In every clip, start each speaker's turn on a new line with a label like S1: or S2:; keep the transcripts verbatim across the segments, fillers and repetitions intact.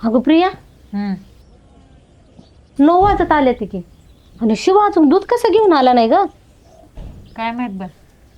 S1: अगं प्रिया,
S2: हम्म
S1: नऊ वाजत आले ते की आणि शिवा अजून दूध कसं घेऊन आला नाही ग?
S2: काय माहित बा.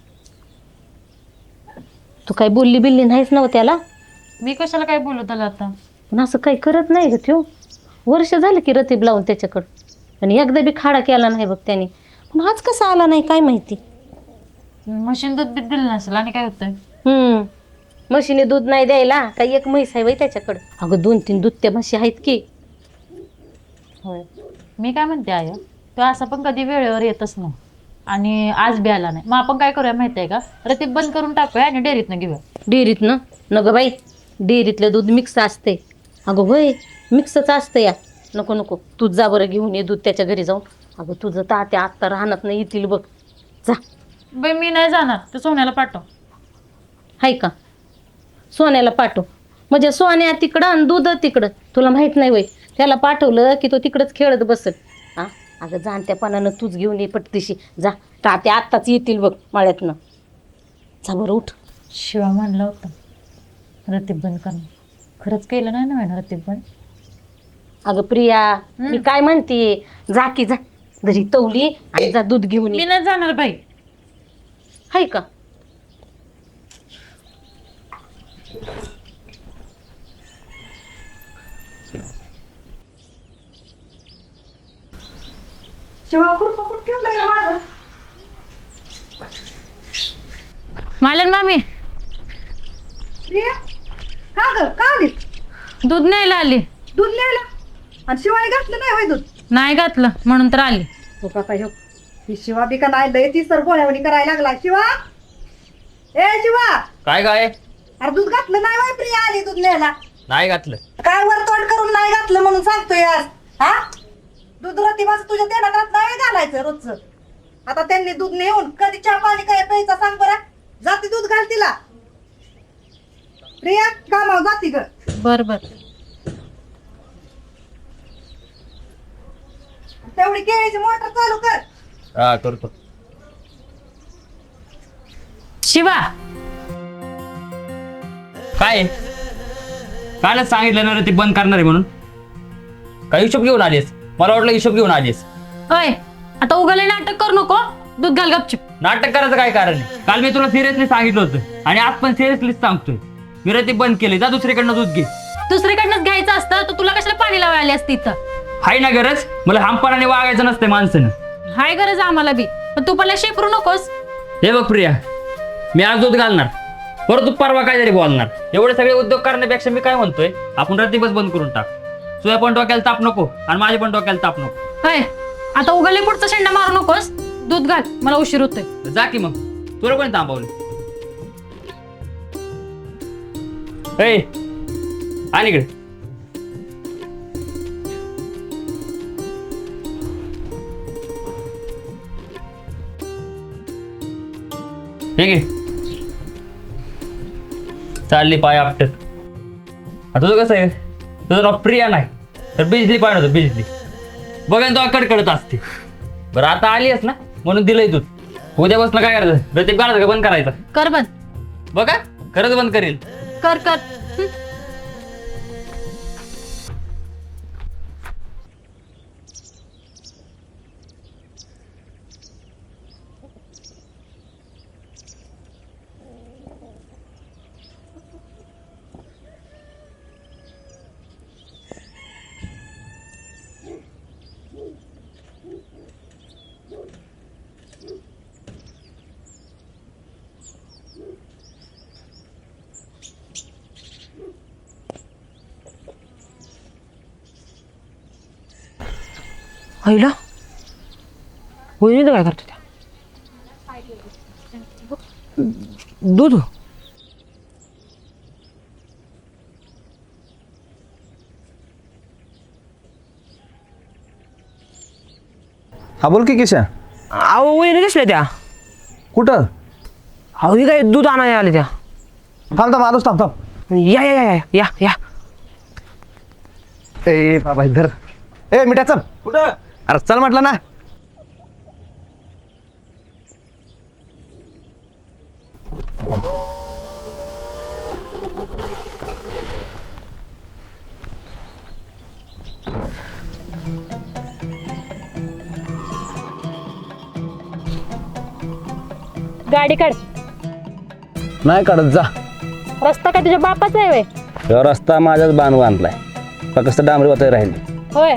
S1: तू काही बोलली बिल्ली नाहीच नव त्याला?
S2: मी कशाला काय बोलू त्याला आता?
S1: पण असं काही करत नाही ग त्यो. वर्ष झालं की रतीब लावून त्याच्याकडं आणि एकदा बी खाडा केला नाही बघ त्याने. पण आज कसा आला नाही काय माहिती.
S2: मशीन दूध बीत दिलं नसेल आणि काय होतंय?
S1: हम्म म्हशीने दूध नाही द्यायला काही एक म्हैस आहे बाई त्याच्याकडं. अगं दोन तीन दुभत्या म्हशी आहेत की.
S2: होय. मी काय म्हणते आय, तो असा पण कधी वेळेवर येतच नाही आणि आज बी आला नाही. मग आपण काय करूया माहिती आहे का? रतीब बंद करून टाकूया आणि डेअरीतनं घेऊया.
S1: डेअरीत ना न ग बाई, डेअरीतलं दूध मिक्स असते. अगं होय, मिक्सच असतं या. नको नको, तूच जा बरं घेऊन ये दूध त्याच्या घरी जाऊन. अगं तुझं तात्या आत्ता राहणार नाही येतील बघ. जा.
S2: बाई मी नाही जाणार, ते सोन्याला पाठव.
S1: हाय का? सोन्याला पाठव म्हणजे सोन्या तिकडं आणि दूध तिकडं. तुला माहित नाही वय, त्याला पाठवलं की तो तिकडंच खेळत बसल. हा अगं जाणत्यापणानं तूच घेऊन ये पटतीशी. जा, तात्या आत्ताच येतील बघ माळ्यातनं. जा बरं उठ.
S2: शिवा म्हणला होता रतीब बंद करणं. खरंच केलं नाही ना रतीब बंद?
S1: अगं प्रिया, मी काय म्हणते, जा की जा घरी तवली आणि जा दूध घेऊन
S2: मी
S1: ये.
S2: नाही जाणार बाई.
S1: हाय का?
S3: शिवा खुरपा कुठं ठेवलंय ग माझं?
S2: मालन मामी
S3: प्रिया, का ग का आली?
S2: दूध न्यायला आली.
S3: दूध न्यायला? आणि शिवाय घातलं नाही होय दूध?
S2: नाही घातलं म्हणून तर आली.
S3: हो का काय हो, ही शिवा बी का नाही लय ती सर गोळ्यावणी करायला लागला. शिवा, ए शिवा,
S4: काय काय
S3: अरे दूध घातलं नाही होय? प्रिया आली दूध न्यायला.
S4: नाही घातलं.
S3: काय वरतोड करून नाही घातलं म्हणून सांगतोय आज? हा दूध रतीबाचं तुझ्या देण्यात नाही घालायचं रोजचं. आता त्यांनी दूध नेऊन कधी चहा पाणी काय प्यायचा सांग बरं. जाती दूध घाल तिला. प्रिया कामावर जाती ग.
S2: बर बर.
S3: तेवढी केळीची मोटर चालू कर.
S4: हा करतो.
S2: शिवा,
S4: काय कालच सांगितलं ना रे ते बंद करणार आहे म्हणून. काय हिशोब घेऊन आलीस? मला वाटलं हिशोब घेऊन आलीस.
S2: अय आता उगाले नाटक करू नको. दूध घाल गपचिप.
S4: नाटक करायचं काय कारण आहे? काल मी तुला सिरियसली सांगितलं होतं आणि आज पण सिरियसलीच सांगतोय. मी रे ते बंद केले. जा दुसरीकडनं दूध घे.
S2: दुसरीकडनंच घ्यायचं असतं तर तुला कशाला पाणी लावायला आली असती इथं?
S4: हाय ना गरज? मला हमपणाने वागायचं नसतंय माणसानं.
S2: हाय गरज आम्हाला बी, पण तू पहिला शेपरू नकोस.
S4: हे बघ प्रिया, मी आज दूध घालणार, परत तू परवा काहीतरी बोलणार. एवढे सगळे उद्योग करण्यापेक्षा मी काय म्हणतोय, आपण रतीबच बंद करून टाक. तुझ्या पण डोक्याला ताप नको आणि माझ्या पण डोक्याला ताप नको.
S2: हाय आता उगाले पुढचा शेंडा मारू नकोस. दूध घाल, मला उशीर होतोय.
S4: जा की मग, तुला कोणी थांबवलं? ए आण इकडे. ठीक आहे, चालली पाय आपटत. आता तुझं कसं आहे, तुझं नाव प्रिया नाही तर बिजली पाहिजे होतं. बिजली बघा तो कडकडत असते. बरं आता आली आहेस ना म्हणून दिलंय दूध. उद्यापासून काय करायचं? रतीब घालायचं का बंद करायचं?
S2: कर बंद.
S4: बघा खरंच बंद करेल.
S2: कर कर. हं.
S5: आईला वहिनी काय करतो त्या? दूध
S6: हा बोल की किशा.
S5: अहो वहिनी दिसल्या त्या.
S6: कुठं?
S5: अहो ही काय दूध आणायला आले त्या.
S6: थांब थांब आलोच थांब थांब.
S5: या या या या या.
S6: ए बाबा धर. ए मिठा चल. कुठं? अरे चल म्हटलं ना.
S2: गाडी काढ.
S6: नाही काढत जा.
S2: रस्ता काय तुझ्या बापाचा आहे वय?
S6: ह्यो रस्ता माझ्याच बाण बांधलाय फक्त डांबरी वाटाय राहिली.
S2: होय.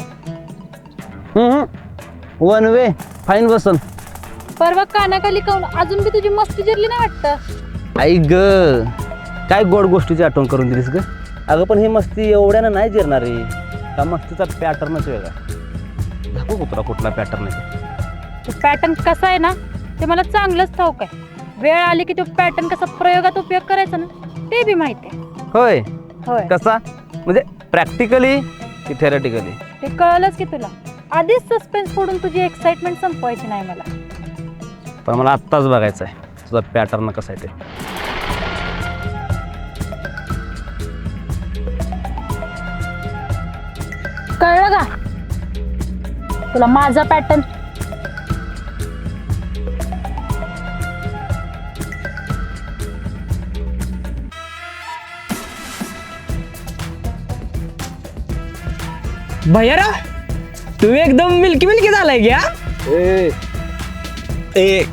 S6: वन वे फाईन बसन.
S2: परवा कानाखाली काऊन अजून बी तुझी मस्ती जिरली नाही वाटतं.
S6: आई ग काय गोड गोष्टीची आठवण करून दिलीस ग. अगं पण ही मस्ती एवढ्यानं नाही जिरणार आहे. का मस्तीचा पॅटर्नच वेगळा. दाखवू का तुला कुठला पॅटर्न आहे?
S2: तो पॅटर्न कसा आहे ना ते मला चांगलंच ठाऊक आहे. वेळ आली की तो पॅटर्न कसा प्रयोगात उपयोग करायचा ना ते बी माहिती आहे.
S6: होय.
S2: होय
S6: कसा म्हणजे प्रॅक्टिकली की थेरटिकली?
S2: ते कळलंच की तुला. आधीच सस्पेन्स फोडून तुझी एक्साइटमेंट संपवायची नाही मला.
S6: पण मला आत्ताच बघायचं आहे तुझा पॅटर्न कसा आहे ते.
S2: कळलं का तुला माझा पॅटर्न?
S5: भैयारा तू एकदम मिल्की मिल्की झालाय घ्या.
S6: ए ए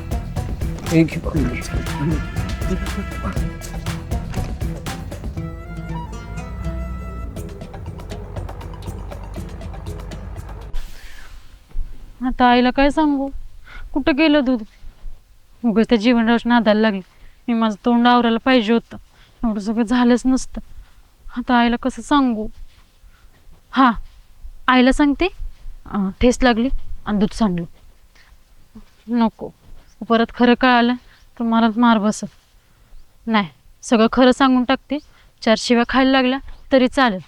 S2: आता आईला काय सांगू? कुठं गेलं दूध? उगाच त्या जीवनराज नादायला लागले. मी माझं तोंड आवरायला पाहिजे होतं. एवढं सगळं झालंच नसतं. आता आईला कसं सांगू? हा आईला सांगते अं, ठेस लागली आणि दूध सांडलं. नको परत खरं कळालं तर मला मार बसत नाही. सगळं खरं सांगून टाकते. चार शिव्या खायला लागल्या तरी चालेल.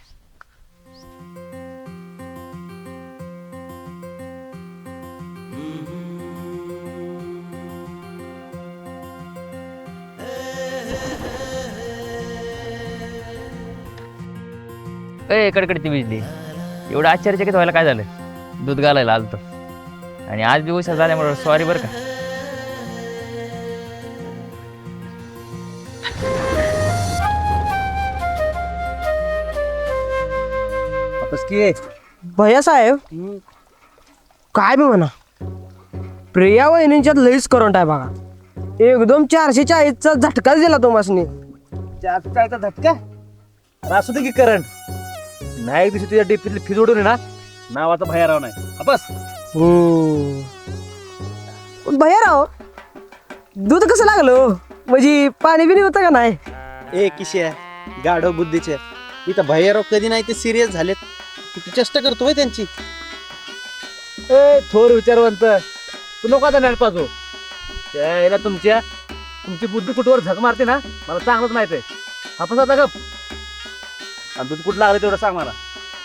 S4: ए कडकडची बिजली एवढं आश्चर्यचकित व्हायला काय झालं? दूध घालायला आलतो आणि आज बी उशीर झाल्यामुळे सॉरी बरं का.
S5: भैया साहेब काय बी म्हणा प्रिया वहिनींच्यात लईच करंट आहे बघा. एकदम चारशे चाळीसचा झटकाच दिला तो मासनी.
S6: चारशे चाळीसचा झटका असू दे की करंट. नाही एक दिवशी तुझ्या डीपीतली फीज उडून आहे ना नावाचा भैयाराव नाही. हा बस.
S5: पण भैया राव दूध कसं लागलं म्हणजे पाणी बिनी होतं का नाही?
S7: ए किशे गाढव बुद्धीचे इथं भैयाराव कधी नाही ते सिरियस झालेत. तू चेष्टा करतोय त्यांची.
S6: ए थोर विचारवंत तू नको आता नाही पाजू. त्याला तुमच्या तुमची बुद्धी कुठवर झक मारते ना मला चांगलंच माहित आहे. आपण आता गप आणि दूध कुठं लागलं तेवढं सांग मला.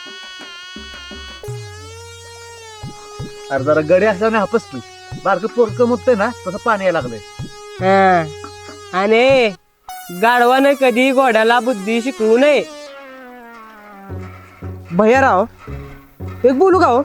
S6: अरे जरा गडी असल्याने हापस तू बारकं पोरकं मुततंय ना तसं पाणी यायला लागलंय.
S5: हा. आणि गाढवानं कधी घोड्याला बुद्धी शिकवू नये. भैयाराव एक बोलू का हो?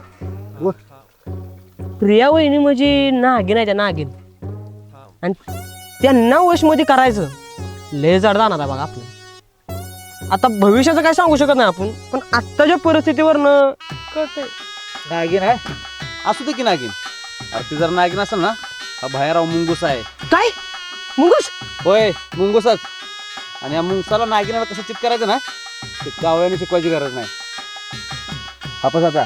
S5: प्रिया वहिनी म्हणजे नागिन आहे त्या नागिन आणि त्यांना वशमध्ये करायचं लय जड जाणार आहे बघा आपलं. आता भविष्याचं काय सांगू शकत नाही आपण पण आत्ताच्या परिस्थितीवरनं कळतंय.
S6: नागिन आहे
S7: असू दे की नागिन. अरे ती जर नागिन असेल ना हा भैयाराव मुंगूस आहे.
S5: काय मुंगूस?
S7: होय मुंगूसच. आणि या मुंगसाला नागिनाला कसं चित करायचं ना ते कावळ्याने शिकवायची गरज नाही.
S6: हापस आता.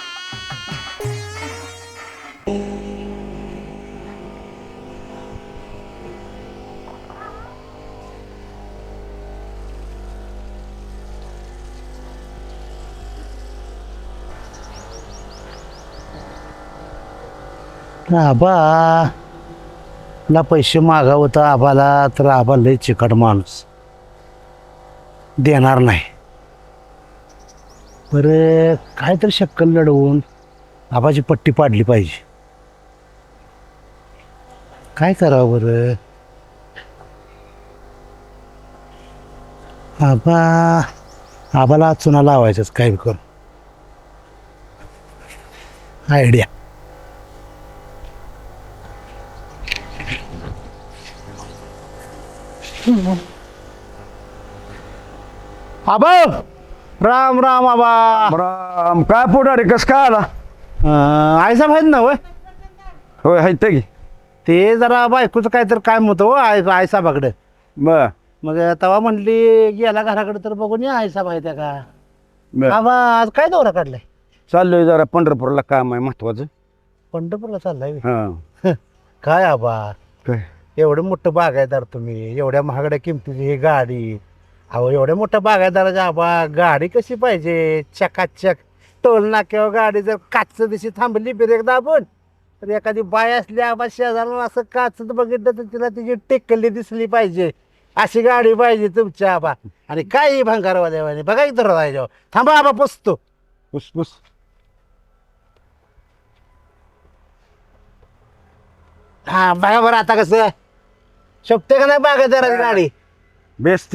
S8: आबा ला पैसे मागावं तर आबाला तर आबा लय चिकट माणूस देणार नाही. बरं काय तर शक्कल लढवून आबाची पट्टी पाडली पाहिजे. काय करावं बरं? आबा आबाला चुना लावायचंच काय करून. आयडिया.
S6: आबा राम राम आबा. राम. काय पोटारे कस काय आला?
S8: आयसा माहीत ना वय
S6: होय हायत की.
S8: ते जरा बायकोचं काय तर काय म्हणतो हो आय आई साहेबाकडं.
S9: बर
S8: मग तेव्हा म्हणली गेला घराकडे तर बघून या आई साहेब आहे त्या का
S9: बर
S8: बाबा आज काय दौरा काढलाय?
S9: चाललोय जरा पंढरपूरला काम आहे महत्वाचं.
S8: पंढरपूरला चाललाय व्हय?
S9: हा
S8: काय आबा
S9: काय
S8: एवढं मोठं बागायदार तुम्ही, एवढ्या महागड्या किमतीची ही गाडी. अहो एवढ्या मोठ्या बागायदाराच्या आबा गाडी कशी पाहिजे चकाचक. टोल नाक्यावर गाडी जर काच दिशी थांबली ब्रेक दाबून तर एखादी बाय असली आबा शेजारून असं काच बघितलं तर तिला तिची टेकली दिसली पाहिजे. अशी गाडी पाहिजे तुमच्या आबा. आणि काही भंगारवाल्यावाने बघा इथं राहायच्या थांबा आबा पुसतो.
S9: पुस पुस
S8: हा बघा बरं आता कसं शोभते का नाही बागायदाराची गाडी?
S9: बेस्ट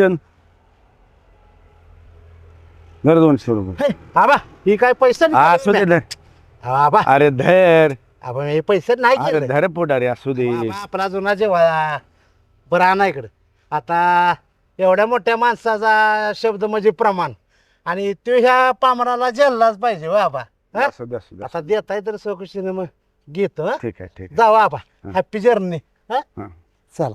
S9: घर दोनशे रुपये.
S8: हे, आबा ही काय पैसे नाही
S9: असू दे
S8: केले?
S9: धर.
S8: आबा
S9: अरे धर
S8: आबा हे पैसे नाही
S9: अरे
S8: केले.
S9: धर पोटारे असू दे.
S8: आबा, आपला जुना जेव्हा बरं आणा इकडं. आता एवढ्या मोठ्या माणसाचा शब्द म्हणजे प्रमाण आणि तो ह्या पामराला जेललाच पाहिजे हो आबा. हा?
S9: असू दे असू दे
S8: आता देताय तर चौकशीने मग घेतो हं?
S9: ठीक आहे ठीक आहे.
S8: जावा आबा हॅपी जर्नी.
S9: हा.
S8: चला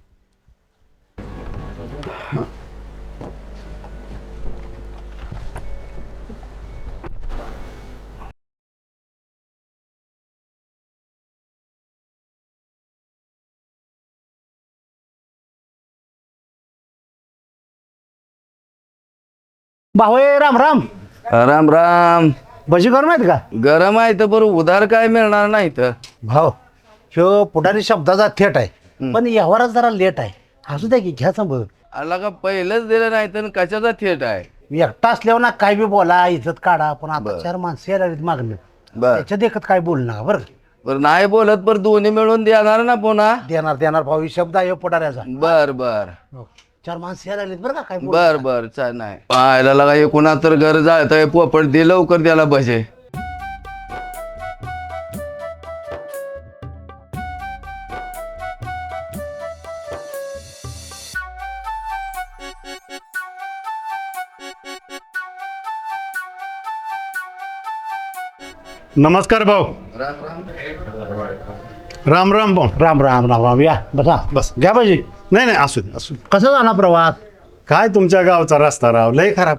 S8: भाऊ राम राम.
S10: राम राम.
S8: भजी करून माहित का
S10: गरम आहे तर बरं उधार काय मिळणार नाही तर.
S8: भाऊ ह्यो पुढारी शब्दाचा थेट आहे पण यावरच जरा लेट आहे. असू द्या की घ्या सांभाळून.
S10: आला का पहिलंच दिलं नाही तर कशाचा थेट आहे.
S8: मी एकटा असल्यावर ना काय बी बोला इज्जत काढा पण आता
S10: बरं.
S8: चार माणसं यायला लागलीत मागणं
S10: बर
S8: त्याच्या देखत काय बोलू नका बरं.
S10: बर नाही बोलत पर दोन्ही मिळून देणार ना पुन्हा.
S8: देणार देणार भाऊ ही शब्द आहे ह्यो पुढाऱ्याचा.
S10: बर बर
S8: हो. चार माणसं यायला लागलीत बरं का काय बोलू
S10: बर
S8: नका.
S10: बर चाल नाही पाहायला लागा एकूणा तर घर जायचं पोपट दे लवकर द्यायला पाहिजे.
S11: नमस्कार भाऊ. राम राम भाऊ.
S8: राम राम राम राम या बसा
S11: बस.
S8: घ्या पाहिजे.
S11: नाही नाही असू दे असू दे.
S8: कसं झाला प्रवास?
S11: काय तुमच्या गावचा रस्ता राव लय खराब.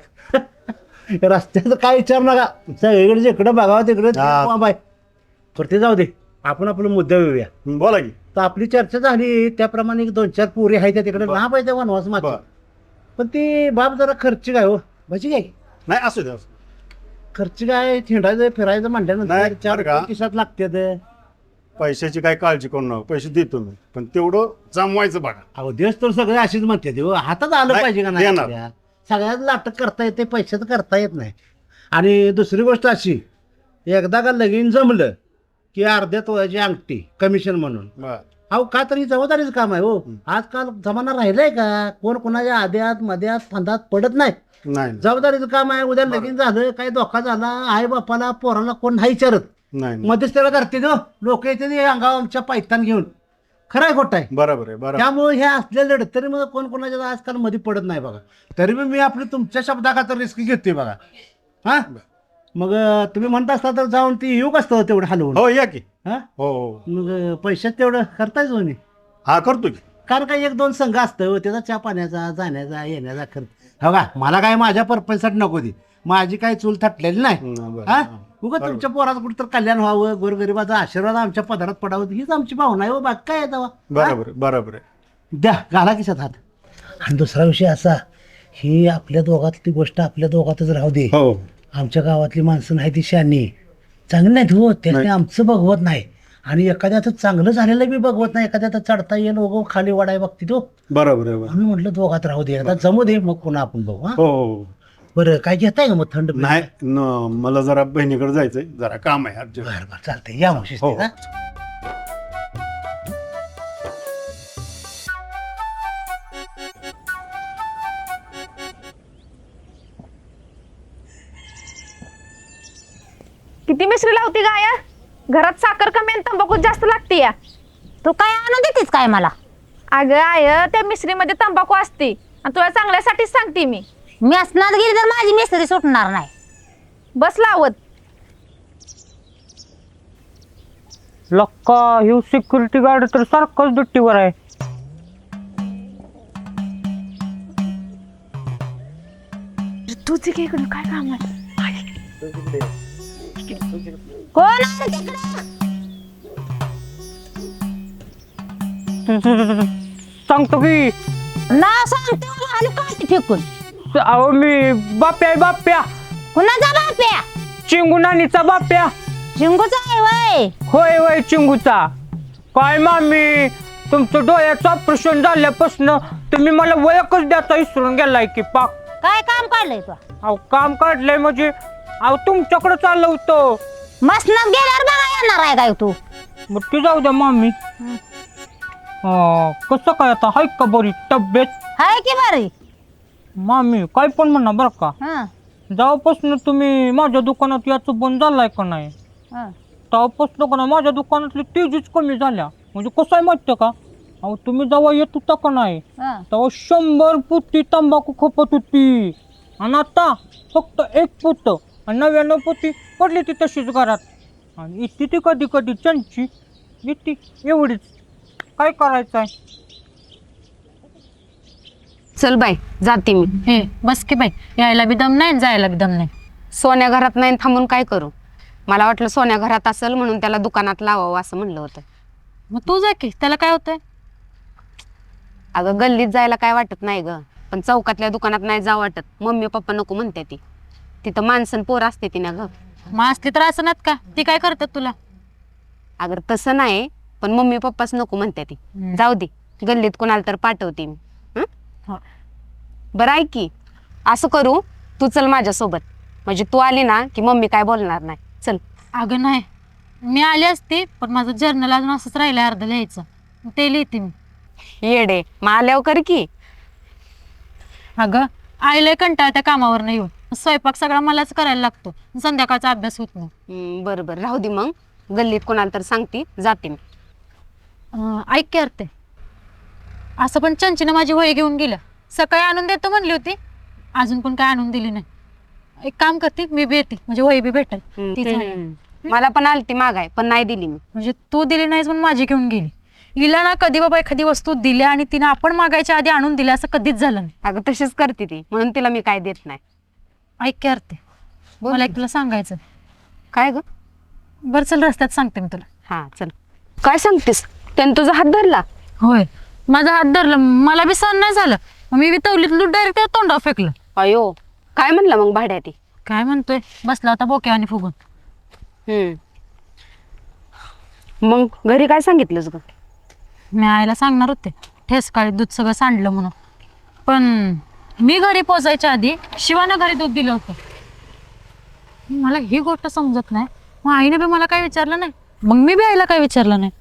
S8: रस्त्याचं काय विचार नका सगळीकडे जिकडे बघावं तिकडे
S11: हा.
S8: बाय तर ते जाऊ दे आपण आपलं मुद्दा येऊया.
S11: बोला की.
S8: तर आपली चर्चा झाली त्याप्रमाणे एक दोन चार पोरी आहेत त्या तिकडे ना पाहिजे वनवास मागे
S11: बर.
S8: पण ती बाप जरा खर्च काय हो भाजी काय
S11: नाही असू दे असू दे.
S8: खर्च काय थिंडायचं फिरायचं म्हणल्यानंतर
S11: नाही,
S8: चार
S11: बरं का?
S8: किशात लागते.
S11: पैशाची काय काळजी करू नका पैसे देतो मी पण तेवढं जमवायचं बघा.
S8: अहो दिवस तर सगळे अशीच म्हणते ते हो. हातात आलं
S11: नाही,
S8: पाहिजे का नाही
S11: देणार.
S8: आपल्या? सगळ्यात लाटक करता येते पैशाचं करता येत नाही. आणि दुसरी गोष्ट अशी एकदा का लगीन जमलं की अर्ध्या तोळ्याची अंगठी कमिशन म्हणून.
S11: बर.
S8: अहो का तरी जबाबदारीचं काम आहे हो. आजकाल जमाना राहिलाय का कोण कोणाच्या आद्यात मध्यात फंदात पडत नाही.
S11: नाही
S8: जबाबदारीचं काम आहे. उद्या लगीन झालं काही धोका झाला आई बापाला पोराला कोण नाही विचारत
S11: नाही नाही.
S8: मध्येच त्याला करते तो लोक येते ते अंगावर आमच्या पायतान घेऊन. खरं आहे खोटं आहे
S11: बरोबर आहे बरोबर.
S8: त्यामुळे हे असले लढत तरी मग कोण कोणाच्या आजकाल मध्ये पडत नाही बघा. तरी मी मी आपली तुमच्या शब्दाखातर रिस्क घेतोय बघा. हा मग अं, तुम्ही म्हणता असता तर जाऊन ती येऊ कसतं तेवढं हलवून.
S11: हो या की.
S8: हा
S11: हो हो
S8: मग अं, पैशात तेवढं करतायच म्हणे.
S11: हा करतो की.
S8: कारण काही एक दोन संघ असतं हो, त्याचा चहा पाण्याचा जाण्याचा येण्याचा खर्च. हो का मला काय माझ्या पर्पजसाठी नको ती माझी काही चूल थटलेली नाही.
S11: हं, बरं.
S8: हा
S11: हं.
S8: उगा तुमच्या पोराचं कुठं तर कल्याण व्हावं गोरगरिबाचा आशीर्वाद आमच्या पदारात पडावं हीच आमची भावना आहे हो. बाकी काय आहे तेव्हा.
S11: बरोबर आहे, बरोबर आहे.
S8: द्या घाला किशात हात. आणि दुसरा विषय असा ही आपल्या दोघातली गोष्ट आपल्या दोघातच राहू दे.
S11: हो
S8: आमच्या गावातली माणसं नाही ती शानी चांगली नाहीत हो. त्याने आमचं बघवत नाही आणि एखाद्याचं चांगलं झालेलं बी बघवत नाही. एखाद्याचं चढता येईल वगो खाली वाढाय बघते तो.
S11: बरोबर आहे बरोबर.
S8: आम्ही म्हटलं दोघात राहू दे आता जमू दे मग पुन्हा आपण बघू. हा
S11: हो हो.
S8: बरं काय घेताय का मग थंड बरं
S11: नाही न मला जरा बहिणीकडे जायचंय जरा काम आहे अर्जंट.
S8: बरं चालतंय या मग शिस्तीत,
S11: हो.
S8: हा?
S12: किती मिसरी लावती गाया घरात साखर कमी आणि तंबाखू जास्त लागते या.
S1: तू काय आणून देतेस काय मला?
S12: अगं आय त्या मिसरीमध्ये तंबाखू असते आणि तुला चांगल्यासाठीच सांगते मी.
S1: मी असणार गेली तर माझी मिस्त्री सुटणार नाही.
S12: बस लावत.
S5: लक्का ह्यो सिक्युरिटी गार्ड तर सारखाच दुट्टीवर आहे.
S2: तुझे काय इकडं काय काम आहे?
S1: कोण आहे तिकडं?
S5: सांगतो की
S1: ना सांगते आणि काठी फेकून.
S5: अहो मी बाप्या आहे बाप्या,
S1: कुणाचा बाप्या?
S5: चिंगू नानीचा बाप्या.
S1: चिंगूचा आहे वय.
S5: होय होय चिंगूचा. काय मामी तुमचं डोळ्याचं ऑपरेशन झाल्यापासून तुम्ही मला वयकच द्यायचा विसरून गेलाय की पाक.
S1: काय काम काढलंय तू?
S5: अहो काम काढलंय म्हणजे अहो तुमच्याकडे चाललं होतं.
S1: मसनात गेल्यावर बघा येणार आहे काय तू?
S5: मग ती जाऊ द्या मामी. कसं काय आता हाय का बरी तब्येत?
S1: हाय की बरी.
S5: मामी काय पण म्हणा बरं का,
S1: हं,
S5: जेव्हापासून तुम्ही माझ्या दुकानात याचं बंद झालाय का नाही,
S1: हं.
S5: तेव्हापासून का नाही माझ्या दुकानातली तेजीच कमी झाल्या. म्हणजे कसं आहे माहिती का, अहो तुम्ही जेव्हा येत होता का नाही
S1: हं.
S5: तेव्हा शंभर पुती तंबाखू खपत होती आणि आता फक्त एक पुत आणि नव्याण्णव पुती पडली ती तशीच घरात. आणि इथे ती कधी कधी चंची इथे एवढीच. काय करायचं आहे?
S13: चल बाई जाते मी.
S2: हे बस की बाई, यायला बी दम नाही आणि जायला बी दम नाही.
S13: सोन्या घरात नाही थांबून काय करू? मला वाटलं सोन्या घरात असेल म्हणून त्याला दुकानात लावावं असं म्हणलं होतं.
S2: मग तू जा की, त्याला काय होतंय?
S13: अगं गल्लीत जायला काय वाटत नाही ग, पण चौकातल्या दुकानात नाही जा वाटत. मम्मी पप्पा नको म्हणते ती, तिथं माणसं पोर असते ती ना ग.
S2: मग असली तर असं नात का, ती काय करतात तुला?
S13: अगर तसं नाही, पण मम्मी पप्पाच नको म्हणते ती.
S2: हम्म.
S13: जाऊ दे, गल्लीत कोणाला तर पाठवते मी. हं?
S2: हो.
S13: बरं ऐक की, असं करू तू चल माझ्यासोबत, म्हणजे तू आली ना की मम्मी काय बोलणार नाही. चल.
S2: अगं नाही, मी आली असते पण माझं जर्नल अजून असंच राहिलंय अर्ध लिहायचं, मग ते लिहिते मी.
S13: येडे मग आल्यावर कर की.
S2: अगं आईला कंटाळा त्या कामावर नाही येऊन, स्वयंपाक सगळा मलाच करायला लागतो, संध्याकाळचा अभ्यास होत नाही.
S13: हं, बरं बरं राहू दे, मग गल्लीत कोणाला तर सांगते, जाते मी.
S2: अं, ऐक की अर्थे, असं पण चंचीनं माझी वही घेऊन गेल्या. सकाळी आणून देतो म्हणली होती, अजून पण काय आणून दिली नाही. एक काम करते, मी बी येते, म्हणजे वही बी भेटेल.
S13: हं,
S2: ती झाली.
S13: हं. मला पण आलती मागाय, पण नाही दिली मी.
S2: म्हणजे तू दिली नाहीस म्हणून माझी घेऊन गेली. हिला ना कधी बाबा एखादी वस्तू दिल्या आणि तिने आपण मागायच्या आधी आणून दिल्या असं कधीच झालं नाही.
S13: अगं तशीच करते ती, म्हणून तिला मी काय देत नाही.
S2: ऐक की अर्थे, मला एक तुला सांगायचं.
S13: काय ग?
S2: बरं चल, रस्त्यात सांगते मी तुला.
S13: हा चल. काय सांगतेस? त्याने तुझा हात धरला?
S2: होय, माझा हात धरला, मला बी सहन नाही झालं, मग मी बी तवलीत डायरेक्ट तोंडावर फेकलं.
S13: अयो, काय म्हणला मग भाड्या ती?
S2: काय म्हणतोय, बसला होता बोक्या आणि फुगून.
S13: हम्म. मग घरी काय सांगितलंस ग?
S2: मी आईला सांगणार होते, ठेसकाळी दूध सगळं सांडलं म्हणून, पण मी घरी पोचायच्या आधी शिवानं घरी दूध दिलं होतं. मला ही गोष्ट समजत नाही, मग आईने बी मला काय विचारलं नाही, मग मी बी आईला काय विचारलं नाही.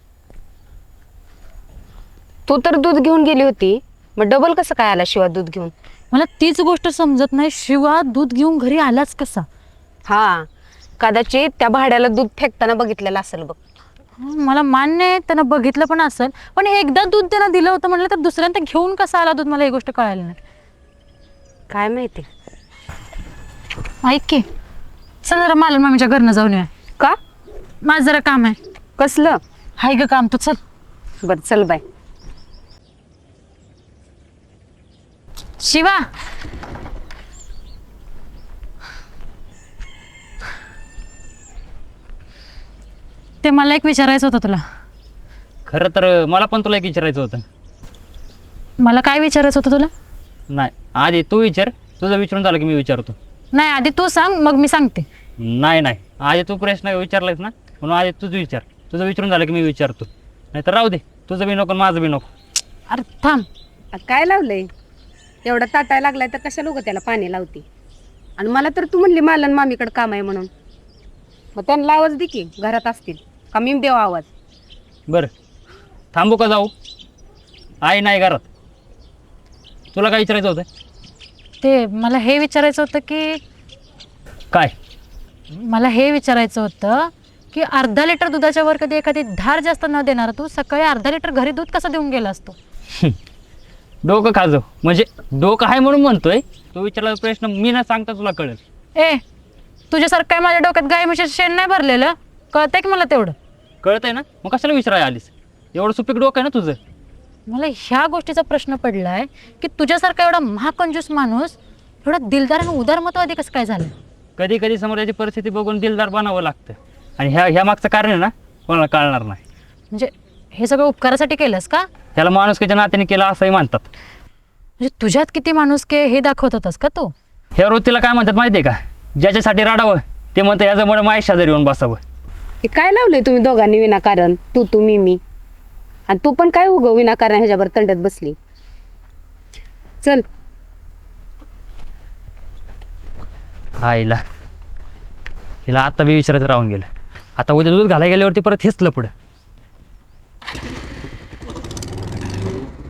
S13: तू तर दूध घेऊन गेली होती, मग डबल कसं काय आला शिवा दूध घेऊन?
S2: मला तीच गोष्ट समजत नाही, शिवा दूध घेऊन घरी आलाच कसा?
S13: हा, कदाचित त्या भाड्याला दूध फेकताना बघितलेलं असेल बघ.
S2: मला मान्य आहे त्यानं बघितलं पण असेल, पण एकदा दूध त्यानं दिलं होतं म्हणलं तर दुसऱ्यांदा घेऊन कसा आला दूध, मला ही गोष्ट कळाली नाही.
S13: काय माहिती.
S2: ऐक की, चल जरा मालन मामीच्या घरनं जाऊन येऊया.
S13: का?
S2: माझं जरा काम आहे.
S13: कसलं?
S2: हाय ग काम, तू चल.
S13: बर चल बाय.
S2: शिवा, ते मला एक विचारायचं होतं तुला.
S4: खरं तर मला पण तुला एक विचारायचं होतं.
S2: मला काय विचारायचं होतं तुला?
S4: नाही, आधी तू विचार, तुझं विचारून झालं की मी विचारतो.
S2: नाही, आधी तू सांग मग मी सांगते.
S4: नाही नाही, आधी तू प्रश्न विचारलायस ना, म्हणून आधी तुझं विचार, तुझं विचारून झालं की मी विचारतो. नाही तर राहू दे, तुझं बी नको माझं बी नको.
S2: अरे थांब,
S13: काय लावलंय? एवढा ताटायला लागलाय तर कशा लोक त्याला पाणी लावते? आणि मला तर तू म्हणली मालन मामीकडे काम आहे म्हणून, मग त्यांना आवाज दे की, घरात असतील का मी देऊ आवाज?
S4: बरं थांबू का जाऊ? आई नाही घरात. तुला काय विचारायचं होतं?
S2: ते मला हे विचारायचं होतं की
S4: काय?
S2: मला हे विचारायचं होतं की अर्धा लिटर दुधाच्या वर कधी एखादी धार जास्त न देणार तू सकाळी अर्धा लिटर घरी दूध कसं देऊन गेला असतो?
S4: डोकं खाजो, म्हणजे डोकं आहे म्हणून म्हणतोय. तो विचारला प्रश्न मी न सांगता तुला कळेल.
S2: ए, तुझ्यासारखं काय माझ्या डोक्यात गाय म्हशीचं शेण नाही भरलेलं, कळतंय की मला तेवढं.
S4: कळत आहे ना, मग कशाला विचारायला आलीस? एवढं सुपीक डोकं आहे ना तुझं.
S2: मला ह्या गोष्टीचा प्रश्न पडलाय की तुझ्यासारखा एवढा महाकंजूस माणूस एवढा दिलदार आणि उदारमतवादी कसं काय झालं?
S4: कधी कधी समोरची परिस्थिती बघून दिलदार बनावं लागतं, आणि ह्या ह्या मागचं कारण आहे ना कोणाला कळणार नाही.
S2: म्हणजे हे सगळं उपकारासाठी केलंस का?
S4: त्याला माणुसकीच्या नात्याने केलं असंही म्हणतात.
S2: म्हणजे तुझ्यात किती माणूस के हे दाखवत होतास का तू?
S4: ह्या वृत्तीला काय म्हणतात माहिती आहे का? ज्याच्यासाठी रडावं ते म्हणतं याच्यामुळे माझ्या शेजारी येऊन बसावं.
S13: हे काय लावलंय तुम्ही दोघांनी विनाकारण, तू तू मी मी, आणि तू पण काय उगव विनाकारण ह्याच्यावर तंडत बसली. चल
S4: आईला हिला आता बी विचारायचं राहून गेलं. आता उद्या दूध घालायला गेल्यावरती परत हेच लपड.